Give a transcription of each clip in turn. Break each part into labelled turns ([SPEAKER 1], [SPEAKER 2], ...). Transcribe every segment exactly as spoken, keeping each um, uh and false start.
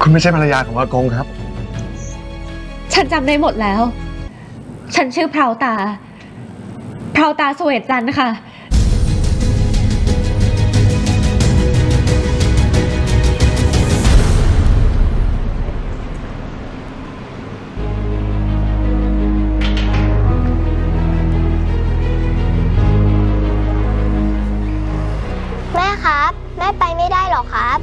[SPEAKER 1] คุณไม่ใช่ภรรยาของอากงครับ
[SPEAKER 2] ฉันจำได้หมดแล้ว ฉันชื่อพราวตา พราวตาสเวตจันทร์ค่ะ
[SPEAKER 3] แม่ครับ แม่ไปไม่ได้หรอครับ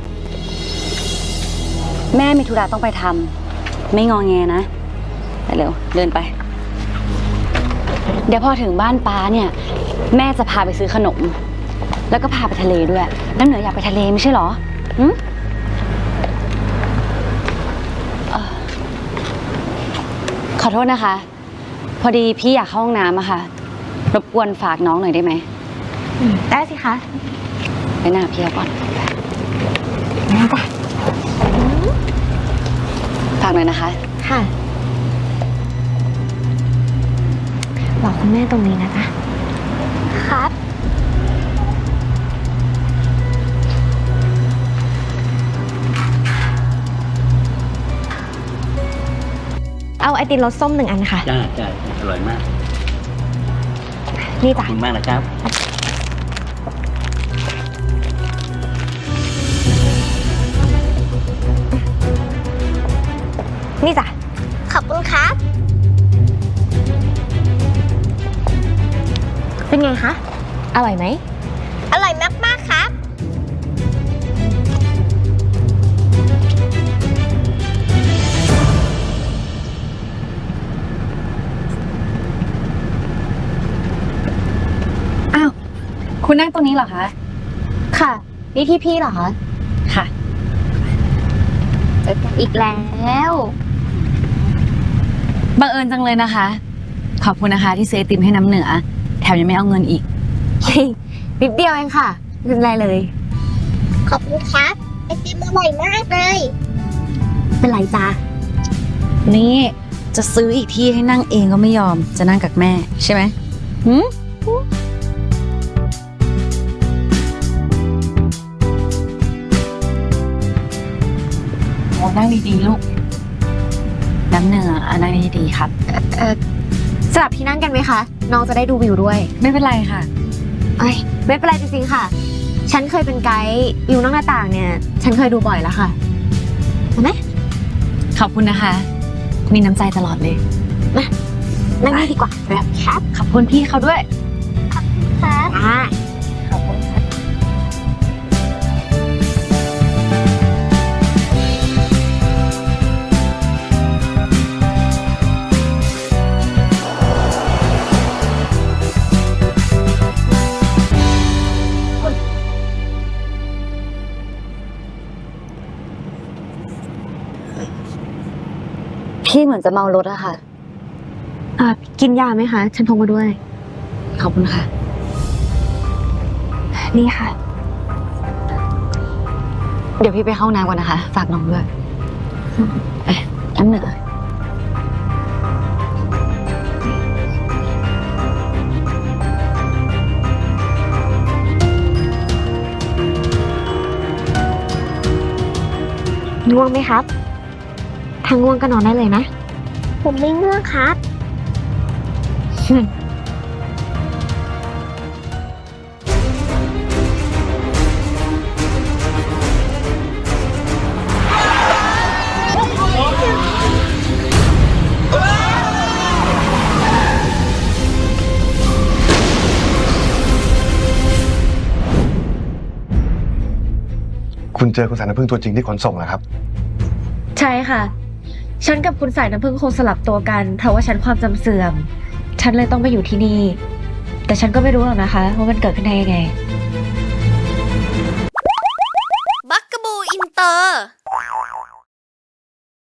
[SPEAKER 4] แม่มีธุระต้องไปทำไม่งอแงนะไปเร็วเดินไป เดี๋ยวพอถึงบ้านป้าเนี่ยแม่จะพาไปซื้อขนมแล้วก็พาไปทะเลด้วยน้ำเหนืออยากไปทะเลไม่ใช่หรอหืมเอ่อขอโทษนะคะ พอดีพี่อยากเข้าห้องน้ำอะค่ะรบกวนฝากน้องหน่อยได้ไหม
[SPEAKER 2] ได้สิคะ
[SPEAKER 4] ไปหน้าพี่ก่อน
[SPEAKER 2] ได้จ้ะ
[SPEAKER 4] ฝากหน่อยนะคะ
[SPEAKER 2] ค่ะบอกคุณแม่ตรงนี้นะจ๊ะ
[SPEAKER 3] ครับ
[SPEAKER 2] เอาไอติมรสส้มหนึ่งอันค่ะ
[SPEAKER 5] จ้าจ้าอร่อยมาก
[SPEAKER 2] นี่
[SPEAKER 5] ขอ
[SPEAKER 2] จ้ะ
[SPEAKER 5] บคุณมากนะครับ
[SPEAKER 2] นี่จ้ะ
[SPEAKER 3] ขอบคุณครับ
[SPEAKER 2] เป็นไงคะ อร่อยไหม
[SPEAKER 3] อร่อยมากๆครับ
[SPEAKER 4] อ้าวคุณนั่งตรงนี้เหรอคะ
[SPEAKER 2] ค่ะ นี่ที่พี่เหรอคะ
[SPEAKER 4] ค่ะ
[SPEAKER 2] เจอกันอีกแล้ว
[SPEAKER 4] บังเอิญจังเลยนะคะ ขอบคุณนะคะที่ซื้อไอติมให้น้ำเหนือแถมยังไม่เอาเงินอีก
[SPEAKER 2] นิดเดียวเองค่ะไม่เป็นไรเลย
[SPEAKER 3] ขอบคุณครับ ไอติมอร่อยมากเลย
[SPEAKER 2] เป็นไรจ้า
[SPEAKER 4] นี่จะซื้ออีกที่ให้นั่งเองก็ไม่ยอมจะนั่งกับแม่ใช่ไหมหืมโอ้นั่งดีๆลูก น้ำเหนืออ่ะนั่งดีๆครับ
[SPEAKER 2] เออสลับที่นั่งกันไหมคะ น้องจะได้ดูวิวด้วย
[SPEAKER 4] ไม่เป็นไรค่ะ
[SPEAKER 2] เอ้ยไม่เป็นไรจริงๆค่ะ ฉันเคยเป็นไกด์วิวนอกหน้าต่างเนี่ย ฉันเคยดูบ่อยแล้วค่ะเห็นไหม
[SPEAKER 4] ขอบคุณนะคะ มีน้ำใจตลอดเลย
[SPEAKER 2] นั่งนี่ดีกว่าแบบครับ
[SPEAKER 4] ขอบคุณพี่เขาด้วย
[SPEAKER 3] ครับ
[SPEAKER 2] อ่า
[SPEAKER 4] ขอบคุณค่ะ พี่เหมือนจะเมารถอะค่ะ
[SPEAKER 2] อ่ากินยาไหมคะ ฉันพกมาด้วย
[SPEAKER 4] ขอบคุณค่ะ
[SPEAKER 2] นี่ค่ะ
[SPEAKER 4] เดี๋ยวพี่ไปเข้าห้องน้ำก่อนนะคะ ฝากน้องด้วยเอ๊ะน้ำเหนือ
[SPEAKER 2] ง่วงไหมครับ ถ้าง่วงก็นอนได้เลยนะ
[SPEAKER 3] ผมไม่ง่วงครับ
[SPEAKER 1] คุณเจอคุณสายน้ำพึ่งตัวจริงที่ขนส่งเหรอครับ
[SPEAKER 2] ใช่ค่ะ ฉันกับคุณสายน้ำพึ่งคงสลับตัวกัน เพราะว่าฉันความจำเสื่อม ฉันเลยต้องมาอยู่ที่นี่ แต่ฉันก็ไม่รู้หรอกนะคะว่ามันเกิดขึ้นได้ยังไง
[SPEAKER 3] บักกะบูอินเตอร์